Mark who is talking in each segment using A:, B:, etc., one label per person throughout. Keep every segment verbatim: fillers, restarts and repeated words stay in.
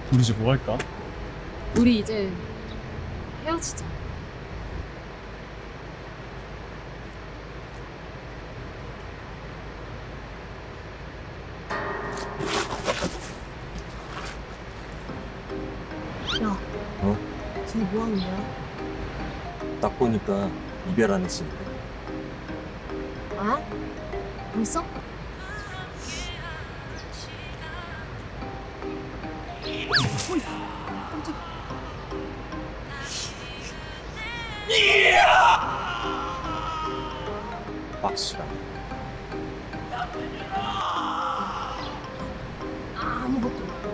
A: 우리 이제 뭐 할까?
B: 우리 이제 헤어지자.
C: 야,
D: 어?
C: 쟤 뭐 하는 거야?
D: 딱 보니까 이별 안 했으니까.
C: 아? 벌써?
D: 박수랑.
C: 아무것도 몰라.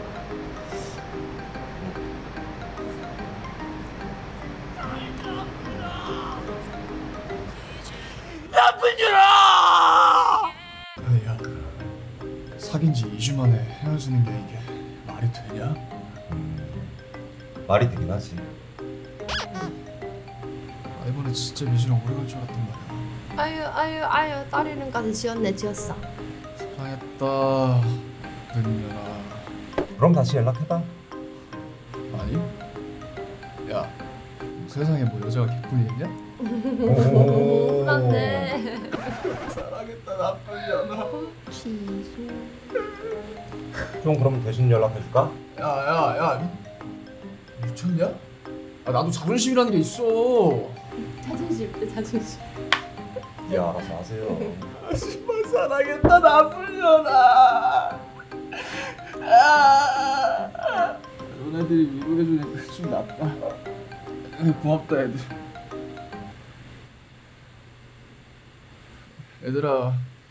A: 야, 사귄 지 이 주 만에 헤어지는 게 이게 말이 되냐?
D: 말이 되긴 하지.
A: 아, 이번에 진짜 미주랑 오래 갈 줄 알았단 말이야.
C: 아유 아유 아유 딸 이름까지 지었네 지었어.
A: 사랑했다, 은연아.
D: 그럼 다시 연락해봐.
A: 아니? 야, 세상에 뭐 여자가 개꿀이 있냐?
D: 오.
C: 그런데
A: 사랑했다, 나쁜 년아.
C: 취소.
D: 좀 그럼 대신 연락해줄까?
A: 야, 야, 야, 미, 미쳤냐? 아, 나도 자존심이라는 게 있어.
C: 자존심 때 자존심.
D: 예, 알아서 하세요.
A: 정말 사랑했다, 나쁜 년아. 아, 너네들이 위로해주니까 좀 낫다. 고맙다, 애들. 얘들아,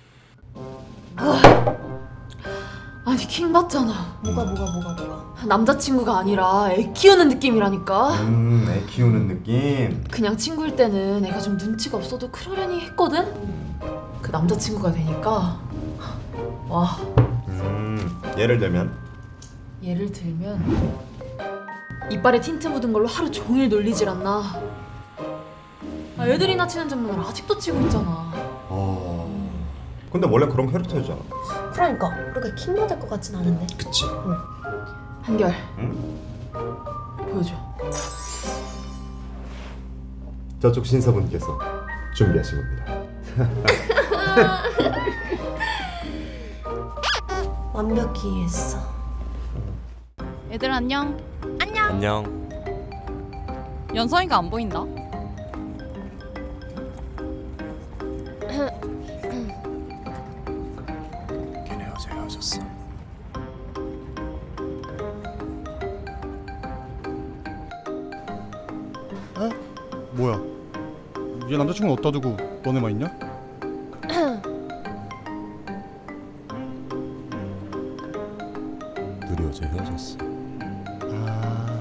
B: 아니 킹 받잖아.
C: 뭐가 뭐가 뭐가 뭐가.
B: 남자친구가 아니라 애 키우는 느낌이라니까.
E: 음, 애 키우는 느낌.
B: 그냥 친구일 때는 애가 좀 눈치가 없어도 그러려니 했거든? 그 남자친구가 되니까 와,
E: 음, 예를 들면
B: 예를 들면 이빨에 틴트 묻은 걸로 하루 종일 놀리질 않나. 아, 애들이나 치는 장난을 아직도 치고 있잖아.
E: 어. 근데 원래 그런 캐릭터였잖아.
C: 그러니까 그렇게 킹 받을 것 같진 않은데.
A: 그치?
B: 한결
E: 응?
B: 보여줘.
E: 저쪽 신사분께서 준비하신 겁니다.
C: 완벽히 이해했어.
F: 애들 안녕.
D: 안녕.
F: 연서이가 안 보인다.
A: 걔네 어제 헤어졌어. 에? 뭐야? 얘 남자친구는 어디다 두고 너네만 있냐?
D: 둘이 어제 헤어졌어.
A: 아,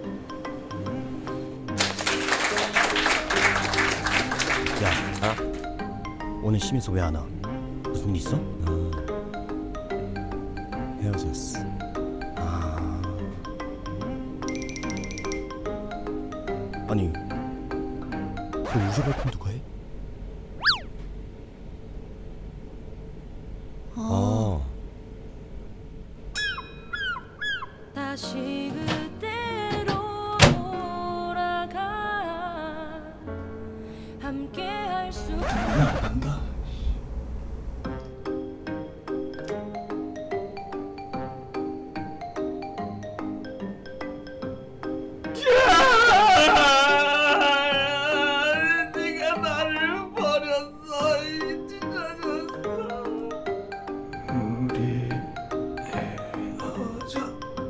G: 야,
D: 아?
G: 오늘 심희서 왜 안 와? 무슨 일 있어?
D: 아, 헤어졌어.
G: 아, 아니, 그 우주 발품 누가 해?
D: 아.
F: 다시 그때로 돌아가 함께 할 수.
A: 안 난다. 네가 나를 버렸어, 이 찢어졌어. 우리 헤어져.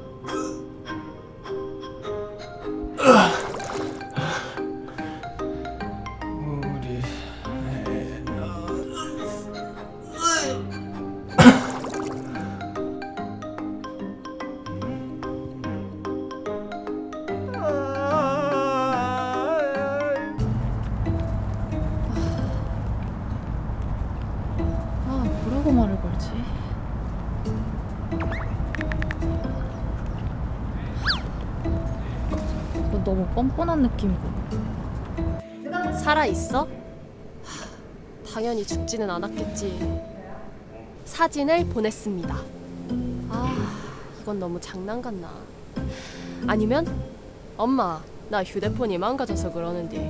A: 우리
B: 아, 뭐라고 말을 걸지? 이거 너무 뻔뻔한 느낌이고.
C: 살아 있어? 당연히 죽지는 않았겠지. 사진을 보냈습니다. 아, 이건 너무 장난 같나.
H: 아니면 엄마 나 휴대폰이 망가져서 그러는데.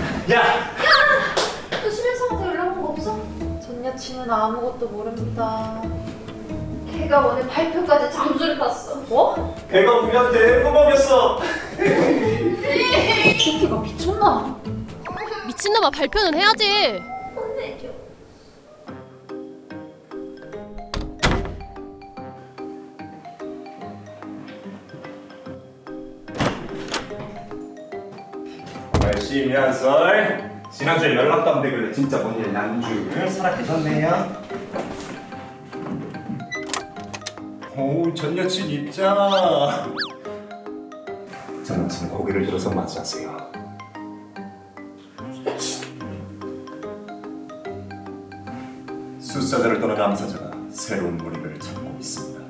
B: 너 심혜성한테 연락 온 거 없어? 전 여친은 아무것도 모릅니다. 걔가 오늘 발표까지 잠수를 탔어. 뭐?
D: 걔가 우리한테 해먹였어.
B: 새끼가 미쳤나?
H: 미친놈아 발표는 해야지.
B: 혼내줘.
E: 열심히 한 썰. 지난주에 연락도 안 되길래 진짜 뭔일 난줄 살아계셨네요. 오, 전 여친 입장. 전 여친 고개를 들어서 맞이하세요. 숫사자를 떠난 암사자가 새로운 무리를 찾고 있습니다.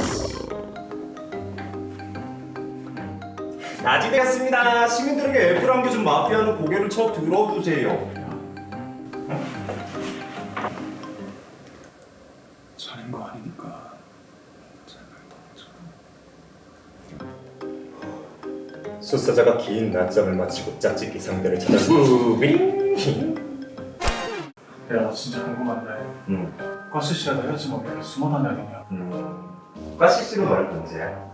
E: 낮이 되었습니다. 시민들에게 애플 안겨준 마피아는 고개를 쳐 들어주세요.
A: 자는 거 아니니까.
E: 숫사자가 긴 낮잠을 마치고 짝짓기 상대를 찾아 무빙.
A: 야, 나 진짜 궁금한데.
E: 음,
A: 과시 씨랑 헤어지면 왜 이렇게 숨어 다녀야 되냐?
E: 음. 과시 씨가 말할 문제야.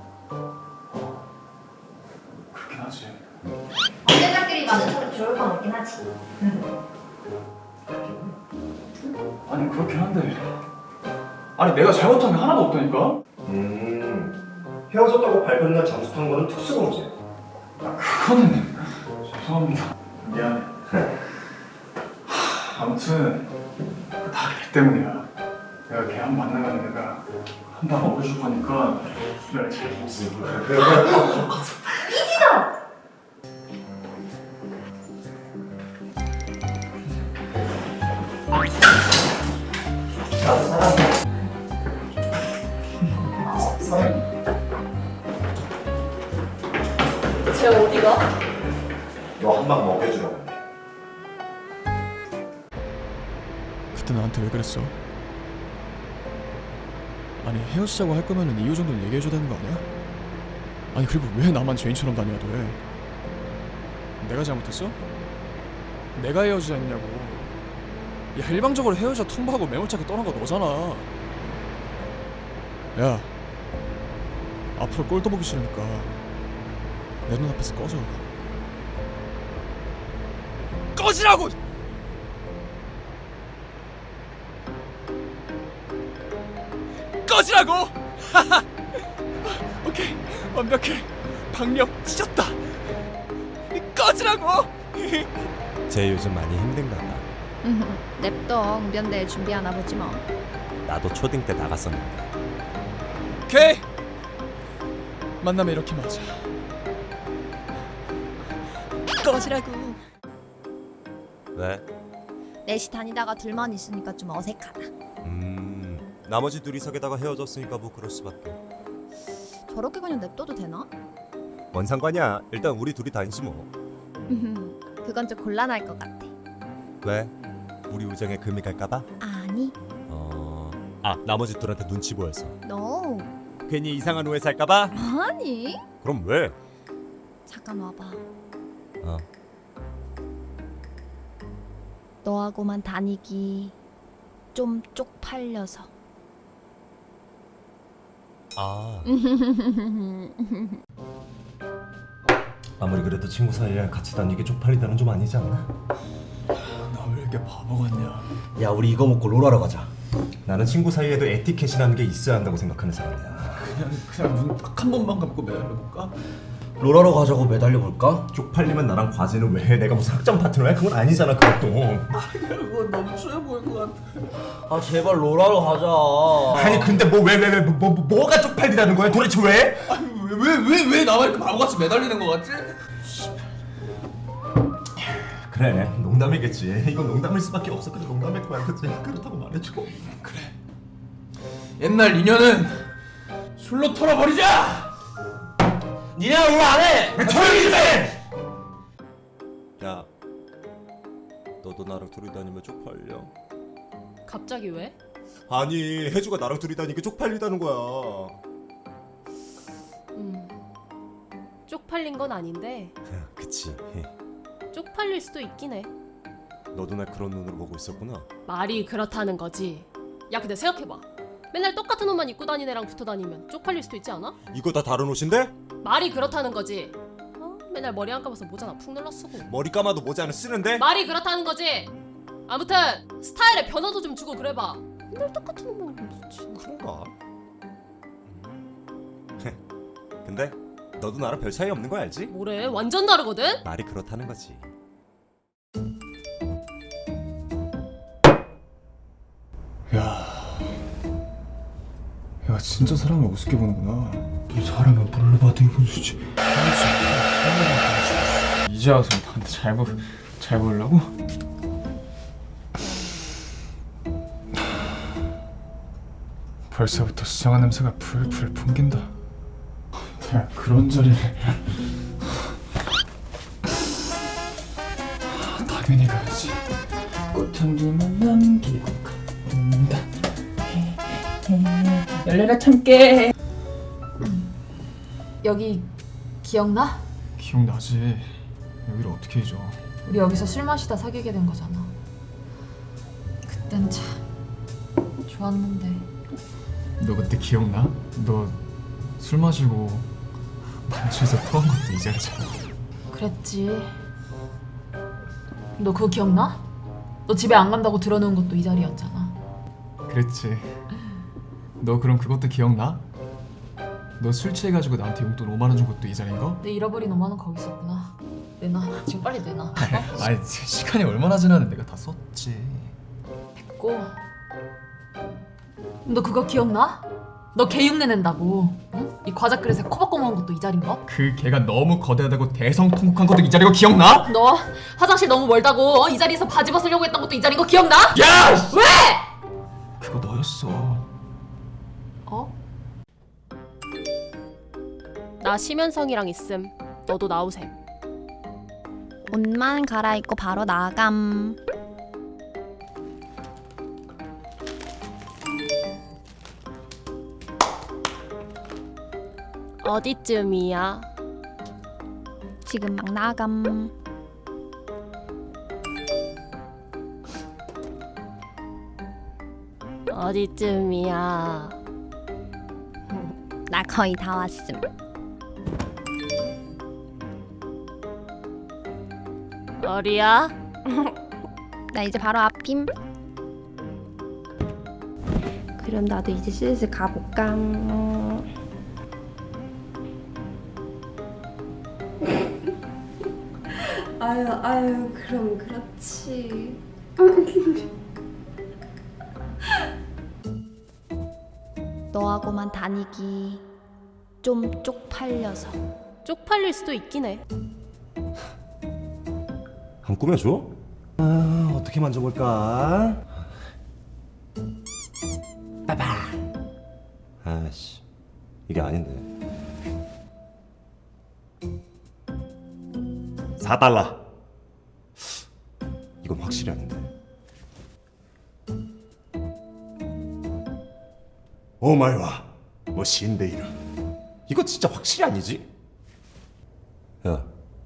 A: 그렇긴 하지.
C: 언제들끼리 마주쳐도 좋을 건 없긴 하지.
A: 아니 그렇긴 한데. 아니 내가 잘못한 게 하나도 없다니까?
E: 음, 헤어졌다고 발표날 잠수 탄 거는 특수범죄.
A: 그거는 죄송합니다. 미안해. 하, 아무튼 다 걔 때문이야. 내가 걔 한 번 만나면 내가 한 방 먹여줄 거니까 내가 잘 못쓰고.
B: 쟤 어디가?
E: 너 한 방 먹여주라고.
A: 그때 나한테 왜 그랬어? 아니 헤어지자고 할 거면은 이유 정도는 얘기해줘야 되는 거 아니야? 아니 그리고 왜 나만 죄인처럼 다녀야 돼? 내가 잘못했어? 내가 헤어지자 했냐고. 야 일방적으로 헤어져 통보하고 매몰차게 떠난 거 너잖아. 야 앞으로 꼴도 보기 싫으니까 내 눈앞에서 꺼져. 꺼지라고! 꺼지라고! 오케이 완벽해. 박력 찢었다. 꺼지라고!
D: 쟤 요즘 많이 힘든가 봐.
C: 냅둬. 웅변대 준비하나 보지 뭐.
D: 나도 초딩 때 나갔었는데.
A: 오케이 만나면 이렇게 맞아. 꺼지라고.
D: 왜?
C: 넷이 다니다가 둘만 있으니까 좀 어색하다.
D: 음, 나머지 둘이서게다가 헤어졌으니까 뭐 그럴 수밖에.
C: 저렇게 그냥 냅둬도 되나?
D: 뭔 상관이야. 일단 우리 둘이 다니지 뭐.
C: 그건 좀 곤란할 것 같아.
D: 왜? 우리 우정에 금이 갈까봐?
C: 아니,
D: 어... 아, 나머지 둘한테 눈치 보여서.
C: 너
D: 괜히 이상한 오해 살까봐?
C: 아니?
D: 그럼 왜?
C: 잠깐 와봐.
D: 어.
C: 너하고만 다니기 좀 쪽팔려서.
D: 아. 아무리 그래도 친구 사이에 같이 다니기 쪽팔리다는 좀 아니지 않나?
A: 나 왜 이렇게 바보 같냐?
G: 야 우리 이거 먹고 롤하러 가자.
E: 나는 친구 사이에도 에티켓이라는 게 있어야 한다고 생각하는 사람이야.
A: 그냥 그냥 눈 딱 한 번만 감고 매달려볼까?
G: 롤하러 가자고 매달려 볼까?
E: 쪽팔리면 나랑 과제는 왜 해? 내가 무슨 학점 파트너야? 그건 아니잖아 그것도.
A: 이거 너무 추해 보일 것 같아.
G: 아 제발 롤하러 가자.
E: 아니 근데 뭐 왜 왜 왜 뭐, 뭐, 뭐가 쪽팔리다는 거야? 도대체 왜?
A: 왜 왜 왜 나만 이렇게 바보같이 매달리는 것 같지?
E: 그래 농담이겠지. 이건 농담일 수밖에 없어. 그래 농담일 거야. 그치? 그렇다고 말해줘.
A: 그래. 옛날 인연은 술로 털어버리자.
G: 니네가 롤 안 해.
E: 조용히 좀 해!
D: 야, 너도 나랑 둘이 다니면 쪽팔려?
H: 갑자기 왜?
D: 아니, 혜주가 나랑 둘이 다니니까 쪽팔리다는 거야.
H: 음 쪽팔린 건 아닌데
D: 그치.
H: 쪽팔릴 수도 있긴 해.
D: 너도 날 그런 눈으로 보고 있었구나.
H: 말이 그렇다는 거지. 야 근데 생각해봐. 맨날 똑같은 옷만 입고 다니는 애랑 붙어 다니면 쪽팔릴 수도 있지 않아?
D: 이거 다 다른 옷인데?
H: 말이 그렇다는 거지. 어? 맨날 머리 안 감아서 모자나 푹 눌러 쓰고.
D: 머리 감아도 모자는 쓰는데?
H: 말이 그렇다는 거지. 아무튼 스타일에 변화도 좀 주고 그래봐. 맨날 똑같은 옷만 입으면 좋지.
D: 그런가? 근데 너도 나랑 별 차이 없는 거 알지?
H: 뭐래? 완전 다르거든?
D: 말이 그렇다는 거지.
A: 야, 야 진짜 사람을 우습게 보는구나. 이 사람을 뭘로 봐도 이건 수지. 이제 와서 나한테 잘 보, 잘 보려고? 벌써부터 수상한 냄새가 풀풀 풍긴다. 야, 그런 자리를 당연히 가야지. 꽃향기만 남기고 간다. 열려라 참깨.
B: 여기 기억나?
A: 기억나지? 여기를 어떻게 잊어?
B: 우리 여기서 술 마시다 사귀게 된 거잖아. 그땐 참 좋았는데.
A: 너 그때 기억나? 너 술 마시고 반주에서 토한 것도 이 자리잖아.
B: 그랬지. 너 그거 기억나? 너 집에 안 간다고 들어놓은 것도 이 자리였잖아.
A: 그랬지. 너 그럼 그것도 기억나? 너 술 취해가지고 나한테 용돈 오만 원 준 것도 이 자리인 거?
B: 내 잃어버린 오만 원 거기 있었구나. 내놔. 지금 빨리 내놔. 어?
A: 아니 시간이 얼마나 지났는데 내가 다 썼지.
B: 됐고. 너 그거 기억나? 너 개흉내 낸다고. 응? 이 과자 그릇에 코 박고 먹은 것도 이 자리인 거?
A: 그 개가 너무 거대하다고 대성통곡한 것도 이 자리고 기억나?
B: 너 화장실 너무 멀다고 어? 이 자리에서 바지 벗으려고 했던 것도 이 자리인 거 기억나?
A: 야!
B: 왜?
A: 그거 너였어.
B: 어?
H: 나 심연성이랑 있음. 너도 나오셈.
I: 옷만 갈아입고 바로 나감.
H: 어디쯤이야?
I: 지금 막 나감.
H: 어디쯤이야?
I: 나 거의 다 왔음.
H: 어디야?
I: 나 이제 바로 앞임.
C: 그럼 나도 이제 슬슬 가볼까? 아유 아유 그럼 그렇지.
I: 너하고만 다니기 좀 쪽팔려서.
H: 쪽팔릴 수도 있긴 해.
D: 한 꾸며줘? 아, 어떻게 만져볼까? 빠바. 아씨, 이게 아닌데. 사 달러. 이건 확실히 아닌데. 오마이와 뭐 신데이르. 이거 진짜 확실히 아니지? 야,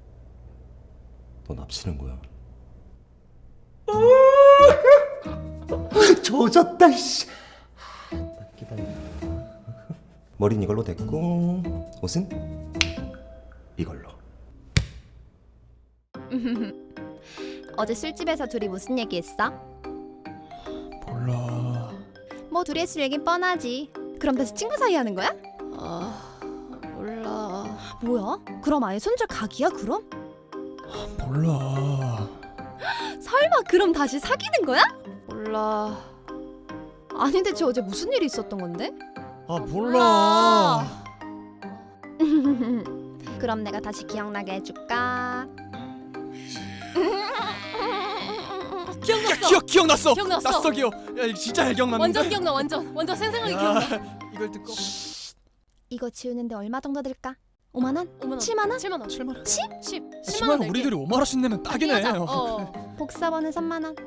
D: 너 납치는 거야? 조졌다 이씨. 기다려. 머리는 이걸로 됐고 옷은 이걸로.
I: 어제 술집에서 둘이 무슨 얘기했어?
A: 몰라.
I: 뭐 둘이 했을 얘긴 뻔하지. 그럼 다시 친구 사이 하는 거야?
H: 아 몰라.
I: 뭐야? 그럼 아예 손절 각이야 그럼?
A: 몰라.
I: 설마 그럼 다시 사귀는 거야?
H: 몰라.
I: 아니 대체 어제 무슨 일이 있었던 건데?
A: 아 몰라.
I: 그럼 내가 다시 기억나게 해줄까?
H: 기억났어.
A: 야, 기억 기억났어.
H: 기억났어.
A: 났어 기억. 야 이거 진짜 잘 기억났는데.
H: 완전 기억나. 완전 완전 생생하게
A: 야,
H: 기억나.
A: 이걸 듣고
I: 이거 지우는데 얼마 정도 들까? 오만 원?
H: 오만 원.
I: 칠만 원?
H: 칠만 원.
A: 칠만 원.
H: 십? 십. 십만
A: 십만
H: 원
A: 원 우리들이 오만 원씩 내면 딱이네.
H: 하자. 어.
I: 복사본은 삼만 원.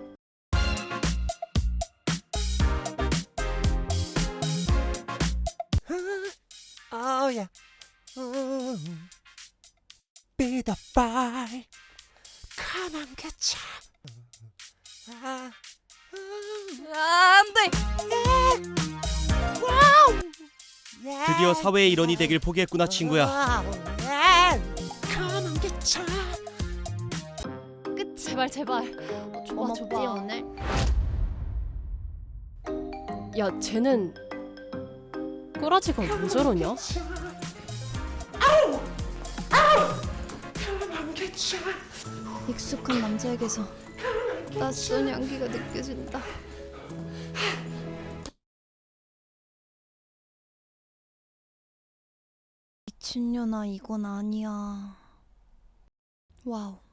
D: 아우야. 삐더발 가만 개차.
F: 아, 안돼.
G: 드디어 사회의 일원이 되길 포기했구나 친구야.
I: 끝이
H: 제발 제발. 어, 줘봐
I: 고맙지
H: 줘봐.
I: 오늘.
H: 야 쟤는 꼬라지가 왜 저러냐?
I: 익숙한 남자에게서 낯선 향기가 느껴진다. 미친년아 이건 아니야. 와우.